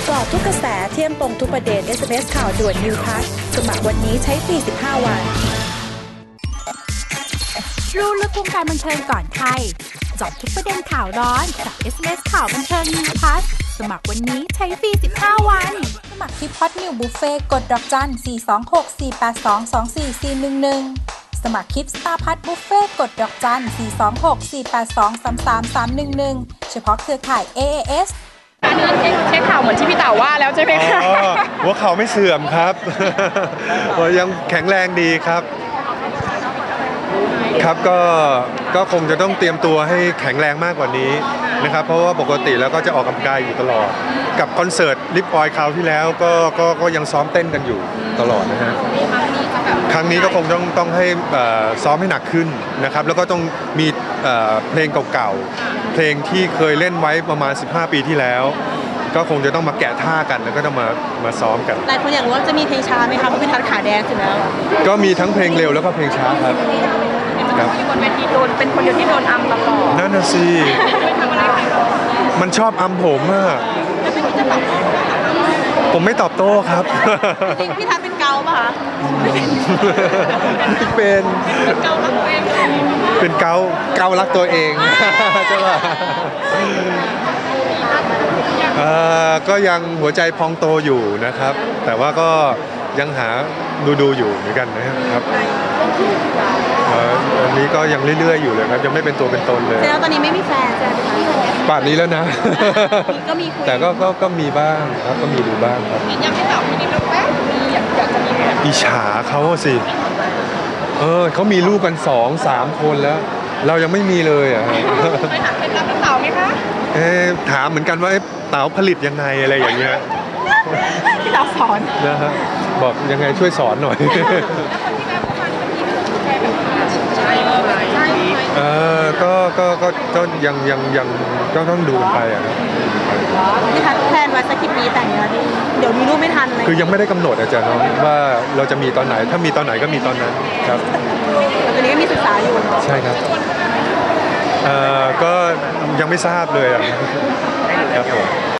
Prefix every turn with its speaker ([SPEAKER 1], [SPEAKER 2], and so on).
[SPEAKER 1] กาะทุกกระแสเที่ยมตรงทุกประเด็น SMS ข่าวด่วน New Plus สมัครวันนี้ใช้ฟรี15 วัน
[SPEAKER 2] รู้ลึกวงการบันเทิงก่อนใครเจาะทุกประเด็นข่าวร้อนกับ SMS ข่าวบันเทิง New Plus สมัครวันนี้ใช้ฟรี15 วันสมัครที่พอดนิวบุฟเฟ่กดดอกจัน 426-482-24411 สมัครคลิปสตาร์พัทบุฟเฟ่กดดอกจัน 426-482-3331 เฉพาะเครือข่าย AAS
[SPEAKER 3] เช็คข่าวเหมือนที่พี่เต๋าว่าแล้วใช่ไหมคะ
[SPEAKER 4] หัวเข่าไม่เสื่อมครับ ยังแข็งแรงดีครับครับก็คงจะต้องเตรียมตัวให้แข็งแรงมากกว่านี้นะครับเพราะว่าปกติแล้วก็จะออกกำลังกายอยู่ตลอดกับคอนเสิร์ตลิปออยคราวที่แล้วก็ยังซ้อมเต้นกันอยู่ตลอดนะฮะครั้งนี้ก็คงต้องให้ซ้อมให้หนักขึ้นนะครับแล้วก็ต้องมีเพลงเก่าๆเพลงที่เคยเล่นไว้ประมาณ15 ปีที่แล้วก็คงจะต้องมาแกะท่ากันแล้วก็ต้องมาซ้อมกัน
[SPEAKER 3] หลายคนอยากรู้ว่าจะมีเพลงช้าไหมคะเพราะเป็นทัดขาแดงอยู่แล้ว
[SPEAKER 4] ก็มีทั้งเพลงเร็วแล้วก็เพลงช้าครับ
[SPEAKER 3] ที่บนเวทีโดนเป็นคนเดียวที่โดนอัมตลอด
[SPEAKER 4] นั่นน่ะสิมันชอบอัมผมอะผมไม่ตอบโต้ครับ
[SPEAKER 3] จริงพี่ทัดเป็นเกาป่ะคะ
[SPEAKER 4] เป็น
[SPEAKER 3] เการักตัวเอง
[SPEAKER 4] เป็นเการักตัวเองใช่ป่ะก็ยังหัวใจพองโตอยู่นะครับแต่ว่าก็ยังหาดูอยู่เหมือนกันนะครับอันนี้ก็ยังเรื่อยๆอยู่เลยครับยังไม่เป็นตัวเป็นตนเลย
[SPEAKER 3] แล้วตอนนี้ไม่มีแฟนใช่ไหมคะ
[SPEAKER 4] ป่านนี้แล้วนะ
[SPEAKER 3] ก็มีคุย
[SPEAKER 4] แต่ก็มีบ้างครับก็มีดูบ้างครับ
[SPEAKER 3] ยังไม่ตอบพี่นิดแล้วแป๊บมีอยากจะมี
[SPEAKER 4] อิจฉาเขาสิเขามีลูกกัน2-3 คนแล้วเรายังไม่มีเลยอ่ะ
[SPEAKER 3] ไปถามเคล็ดลับพี่เต๋าไหมคะ
[SPEAKER 4] ถามเหมือนกันว่าเต๋าผลิตยังไงอะไรอย่างเงี้ย
[SPEAKER 3] พี่เต๋าสอน
[SPEAKER 4] นะฮะบอกยังไงช่วยสอนหน่อย
[SPEAKER 3] แล้วคนที่แม่ผู้ฟังจะมีแฟนแบบใช่
[SPEAKER 4] ก็ยังก็ต้องดูไปอ่ะครับ
[SPEAKER 3] พี่ทัดแพลนไว้สักกี่ปีแต่งงานเดี๋ยวมีลูกไม่ทันเลย
[SPEAKER 4] คือยังไม่ได้กำหนดอาจารย์น้องว่าเราจะมีตอนไหนถ้ามีตอนไหนก็มีตอนนั้นครับ
[SPEAKER 3] ตอนนี้ก็มีศึกษาอยู่
[SPEAKER 4] ใช่ครับก็ยังไม่ทราบเลยครับผม